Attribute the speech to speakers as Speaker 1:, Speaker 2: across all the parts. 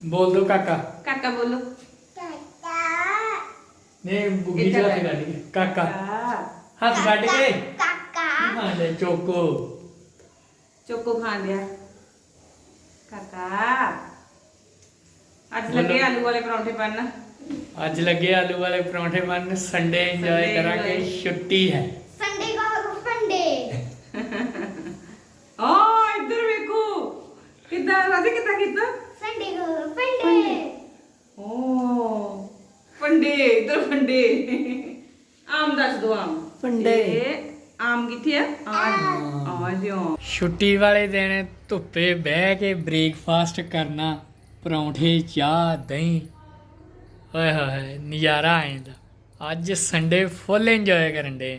Speaker 1: बोल दो काका।
Speaker 2: काका बोलो।
Speaker 1: नहीं बुगी चला के गाड़ी काका हाथ काट के
Speaker 3: काका
Speaker 1: हाँ ले चोको
Speaker 2: चोको खा लिया काका। आज लगे आलू वाले परांठे बनना।
Speaker 1: आज लगे आलू वाले परांठे बन संडे एंजॉय करांगे छुट्टी है
Speaker 3: संडे का फंडे
Speaker 2: ओ इधर देखो कितना राधे कितना कितना
Speaker 3: संडे का फंडे
Speaker 2: ओ फंडे इधर फंडे आम दस दो आम
Speaker 1: फंडे।
Speaker 2: आम किथे है आ जाओ।
Speaker 1: छुट्टी वाले दिन धुप्पे बह के ब्रेकफास्ट करना परांठे चाह दही होए होए नज़ारा आ जांदा। अज संडे फुल इंजॉय करन डे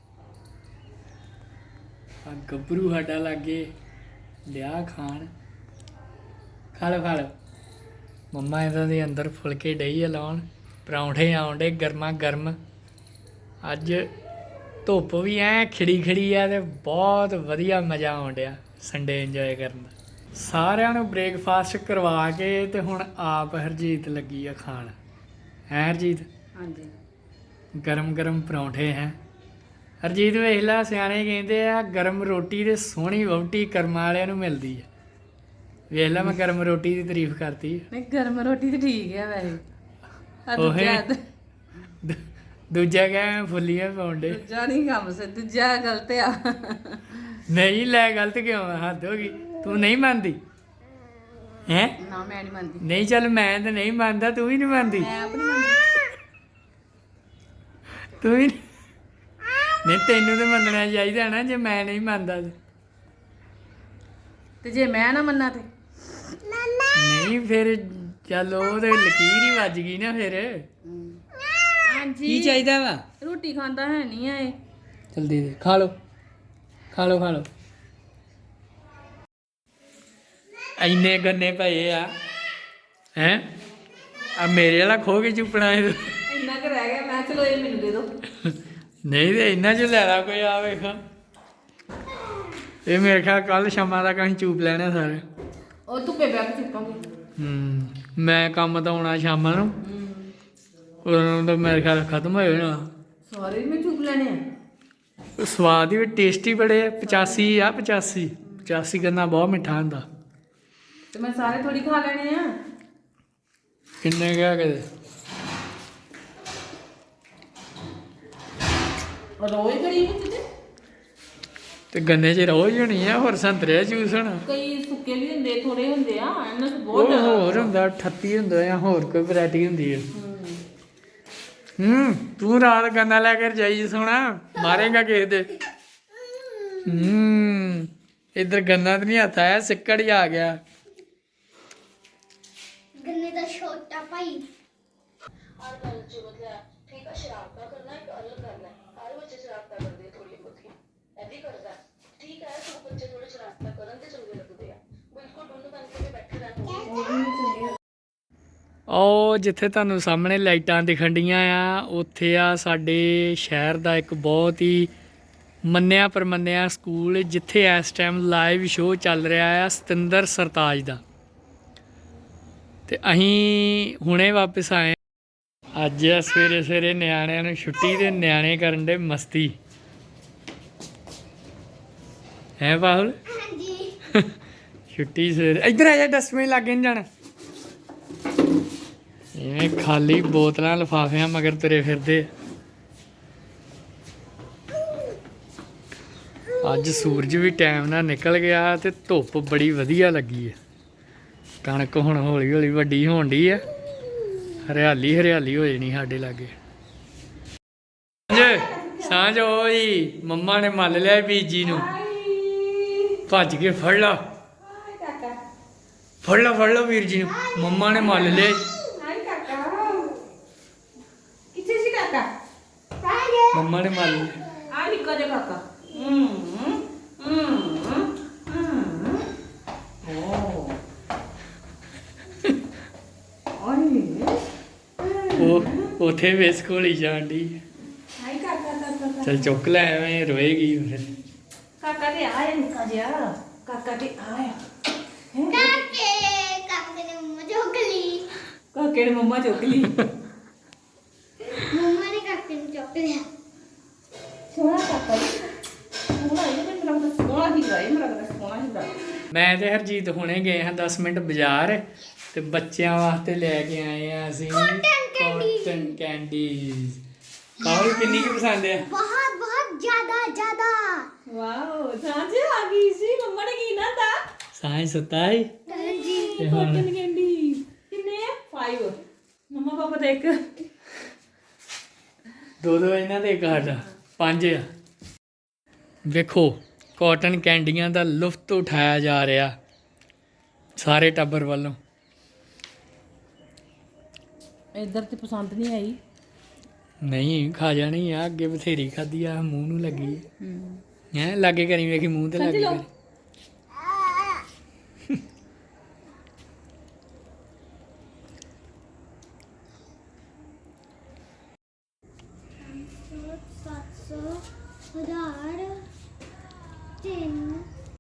Speaker 1: गब्बरू साडा लागे लिया खान खा लो मम्मा इन्हां दे अंदर फुलके डई आ लाउण परांठे आउण डे गर्मा गर्म। अज धुप्प भी ऐ खिड़ी खिड़ी आ ते बहुत वधिया मज़ा आउण डिया संडे इंजॉय करन दा। सारिਆਂ ਨੂੰ ब्रेकफास्ट करवा के ते हुण आप हरजीत लगी आ खाण है हरजीत
Speaker 2: हाँ जी
Speaker 1: गरम गरम परांठे हैं। हरजीत ਵੇਖ ਲਾ ਸਿਆਣੇ ਕਹਿੰਦੇ ਆ ਗਰਮ ਰੋਟੀ ਤੇ ਸੋਹਣੀ ਵਹੁਟੀ ਕਰਮਾਂ ਵਾਲਿਆਂ ਨੂੰ ਮਿਲਦੀ ਹੈ। ਵੇਖ ਲਾ ਮੈਂ ਗਰਮ ਰੋਟੀ ਦੀ ਤਾਰੀਫ ਕਰਤੀ।
Speaker 2: नहीं गर्म रोटी तो ठीक है वैसे
Speaker 1: ओहे। ਦੂਜਾ ਕਹਿ ਫੁੱਲੀਆਂ ਪਾਉਂਦੇ
Speaker 2: दूजा नहीं काम से दूजा गलत आ
Speaker 1: ਨਹੀਂ ਲੈ ਗਲਤ ਕਿਉਂ ਆ ਹੱਦ ਹੋ ਗਈ ਤੂੰ ਨਹੀਂ ਮੰਨਦੀ ਹੈ
Speaker 2: ना मैं नहीं मानती
Speaker 1: ਨਹੀਂ ਚੱਲ ਮੈਂ ਤਾਂ ਨਹੀਂ ਮੰਨਦਾ ਤੂੰ ਵੀ ਨਹੀਂ ਮੰਨਦੀ
Speaker 2: मैं अपनी मानती
Speaker 1: ਤੂੰ ਵੀ ਨਹੀਂ ਤੈਨੂੰ ਤਾਂ ਮੰਨਣਾ ਚਾਹੀਦਾ ਨਾ ਜੇ ਮੈਂ ਨਹੀਂ ਮੰਨਦਾ ਤੇ।
Speaker 2: ते जे मैं ना मन्ना ते
Speaker 1: ਨਹੀਂ ਫਿਰ ਚੱਲ ਉਹ ਤੇ ਲਕੀਰ ਹੀ ਵੱਜ ਗਈ ਨਾ ਫਿਰ
Speaker 2: हाँ जी
Speaker 1: ਕੀ ਚਾਹੀਦਾ ਵਾ
Speaker 2: रोटी खांदा है नहीं है
Speaker 1: ਚਲ ਦੇ ਦੇ ਖਾ ਲਓ ਖਾ ਲਓ ਇੰਨੇ ਗੰਨੇ ਪਏ ਆ ਹੈ ਆ ਮੇਰੇ ਵਾਲਾ ਖੋ ਕੇ ਚੁੱਪਣਾ ਇਹ
Speaker 2: इन्ना कर रह गया मैं चलो ये मेनू दे दो
Speaker 1: ਨਹੀਂ ਤੇ ਇੰਨਾ ਚ ਲੈ ਲਾ ਕੋਈ ਆ ਵੇਖ ਇਹ ਮੇਰੇ ਖਿਆਲ ਕੱਲ ਸ਼ਾਮਾਂ ਤੱਕ ਅਸੀਂ ਚੂਪ ਲੈਣੇ ਸਾਰੇ।
Speaker 2: और धुप्पे बैठ के चुपांगे
Speaker 1: ਮੈਂ ਕੰਮ ਤੋਂ ਆਉਣਾ ਸ਼ਾਮਾਂ ਨੂੰ ਉਦੋਂ ਤਾਂ ਮੇਰੇ ਖਿਆਲ ਖਤਮ ਹੋ ਜਾਣਾ।
Speaker 2: सारे में चुप लेने हैं
Speaker 1: ਸਵਾਦ ਵੀ ਟੇਸਟੀ ਬੜੇ ਆ 85 ਆ 85 ਗੰਨਾ ਬਹੁਤ ਮਿੱਠਾ ਹੁੰਦਾ।
Speaker 2: तो मैं सारे थोड़ी खा लेने हैं
Speaker 1: ਕਿੰਨੇ ਕਿਹਾ ਕਦੇ
Speaker 2: और रोज गरीब होते
Speaker 1: ਤੇ ਗੰਨੇ 'ਚ ਰੋਜ਼ ਹੋਣੀ ਆ ਹੋਰ ਸੰਤਰੇ ਦਾ ਜੂਸ ਹੋਣਾ
Speaker 2: कई सुक्के भी होंगे थोड़े होंगे आ इन्ना तो बहुत
Speaker 1: ਉਹ ਹੋਰ ਹੁੰਦਾ 38 ਹੁੰਦਾ ਜਾਂ ਹੋਰ ਕੋਈ ਵੈਰਾਈਟੀ ਹੁੰਦੀ ਹੈ। ਤੂੰ ਰਾਤ ਗੰਨਾ ਲੈ ਕੇ ਜਾਈ ਸੋਣਾ ਮਾਰੇਗਾ ਕਿਸੇ ਦੇ। ਇੱਧਰ ਗੰਨਾ ਤਾਂ ਨਹੀਂ ਹੱਥ ਆਇਆ ਸਿੱਕੜ ਹੀ ਆ ਗਿਆ।
Speaker 3: गन्ने का छोटा भाई
Speaker 1: ਉਹ ਜਿੱਥੇ ਤੁਹਾਨੂੰ ਸਾਹਮਣੇ ਲਾਈਟਾਂ ਦਿਖਣ ਡੀਆਂ ਆ ਉੱਥੇ ਆ ਸਾਡੇ ਸ਼ਹਿਰ ਦਾ ਇੱਕ ਬਹੁਤ ਹੀ ਮੰਨਿਆ ਪਰਮੰਨਿਆ ਸਕੂਲ ਜਿੱਥੇ ਇਸ ਟਾਈਮ ਲਾਈਵ ਸ਼ੋਅ ਚੱਲ ਰਿਹਾ ਆ ਸਤਿੰਦਰ ਸਰਤਾਜ ਦਾ। ਤੇ ਅਸੀਂ ਹੁਣੇ ਵਾਪਸ ਆਏ ਅੱਜ ਸਵੇਰੇ ਸਵੇਰੇ ਨਿਆਣਿਆਂ ਨੂੰ ਛੁੱਟੀ ਤੇ ਨਿਆਣੇ ਕਰਨ ਦੇ ਮਸਤੀ ਹੈ ਬਾਹੁਲ
Speaker 3: हाँ जी
Speaker 1: ਛੁੱਟੀ ਸਵੇਰੇ ਇੱਧਰ ਆ ਜਾ ਡਸਟਬਿਨ ਲੱਗੇ ਨਹੀਂ ਜਾਣਾ ਇਵੇਂ ਖਾਲੀ ਬੋਤਲਾਂ ਲਿਫਾਫਿਆਂ ਮਗਰ ਤੁਰੇ ਫਿਰਦੇ ਅੱਜ ਸੂਰਜ ਵੀ ਟਾਈਮ ਨਾਲ ਨਿਕਲ ਗਿਆ ਤੇ ਧੁੱਪ ਬੜੀ ਵਧੀਆ ਲੱਗੀ ਹੈ। ਕਣਕ ਹੁਣ ਹੌਲੀ ਹੌਲੀ ਵੱਡੀ ਹੋਣ ਡਈ ਆ ਹਰਿਆਲੀ ਹੋ ਜਾਣੀ ਸਾਡੇ ਲਾਗੇ। ਸਾਂਝ ਓਏ ਮੰਮਾ ਨੇ ਮੱਲ ਲਿਆ ਬੀਜੀ ਨੂੰ ਭੱਜ ਕੇ ਫੜ ਲਾ ਵੀਰ ਜੀ ਨੂੰ ਮੰਮਾ ਨੇ ਮੱਲ ਲਿਆ।
Speaker 2: हाय काका किथे सी काका
Speaker 1: ਮੰਮਾ ਨੇ ਮੱਲ ਲਿਆ।
Speaker 2: आ निक्का जा काका
Speaker 1: ਉਹ ਉੱਥੇ ਵੇਸ ਘੋਲੀ ਜਾਣ ਡਈ
Speaker 2: हाय काका
Speaker 1: ਚਲ ਚੁੱਕ ਲੈ ਐਵੇਂ ਰੋਏਗੀ ਫਿਰ।
Speaker 2: काका ते आया निक्का जा काका ते आया
Speaker 3: काके काके ने मुझे गली
Speaker 2: ਕਾਕੇ ਨੇ ਮੰਮਾ ਚੁੱਕ ਲਈ
Speaker 3: ਮੰਮਾ ਨੇ ਕਾਕੇ ਨੂੰ ਚੁੱਕ ਲਿਆ
Speaker 2: ਸੋਹਣਾ ਕਾਕਾ ਸੋਹਣਾ ਇਹ ਤੇ ਮੇਰਾ ਤਾਂ ਸੋਹਣਾ ਹੀ ਗਾਏ ਮੇਰਾ ਤਾਂ ਸੋਹਣਾ ਹੀ ਗਾ
Speaker 1: ਮੈਂ ਤੇ ਹਰਜੀਤ ਹੁਣੇ ਗਏ ਹਾਂ 10 ਮਿੰਟ ਬਾਜ਼ਾਰ ਤੇ ਬੱਚਿਆਂ ਵਾਸਤੇ ਲੈ ਕੇ ਆਏ ਆ ਅਸੀਂ ਕਾਟਨ ਕੈਂਡੀਜ਼ ਕਾਹਲ ਕਿੰਨੀ ਕੁ ਪਸੰਦ ਆ
Speaker 3: ਬਹੁਤ ਬਹੁਤ ਜ਼ਿਆਦਾ
Speaker 2: ਵਾਓ ਸਾਂਝ ਆ ਗਈ ਸੀ ਮੰਮਾ ਨੇ ਕੀ ਨਾ ਤਾ
Speaker 1: ਸਾਇੰਸ ਸਤਾਈ
Speaker 3: ਜੀ
Speaker 1: ਤੇ ਹੁਣ
Speaker 2: ਕਾਟਨ ਕੈਂਡੀ ਕਿੰਨੇ ਆ 5 ਮੰਮਾ ਪਾਪਾ ਦੇ ਇੱਕ
Speaker 1: ਦੋ ਇਹਨਾਂ ਦੇ ਇੱਕ ਸਾਡਾ 5 ਆ ਵੇਖੋ ਕਾਟਨ ਕੈਂਡੀਆਂ ਦਾ ਲੁਫਤ ਉਠਾਇਆ ਜਾ ਰਿਹਾ ਸਾਰੇ ਟੱਬਰ ਵੱਲੋਂ
Speaker 2: ਇੱਧਰ ਤੇ ਪਸੰਦ ਨਹੀਂ ਆਈ
Speaker 1: ਨਹੀਂ ਖਾ ਜਾਣੀ ਆ ਅੱਗੇ ਬਥੇਰੀ ਖਾਦੀ ਆ ਮੂੰਹ ਨੂੰ ਲੱਗੀ ਹੈ ਲਾਗੇ ਕਰੀ ਵੇਖੀ ਮੂੰਹ ਤੇ ਲੱਗੀ ਕਰੀ।
Speaker 3: ਸੱਤ ਸੌ 1000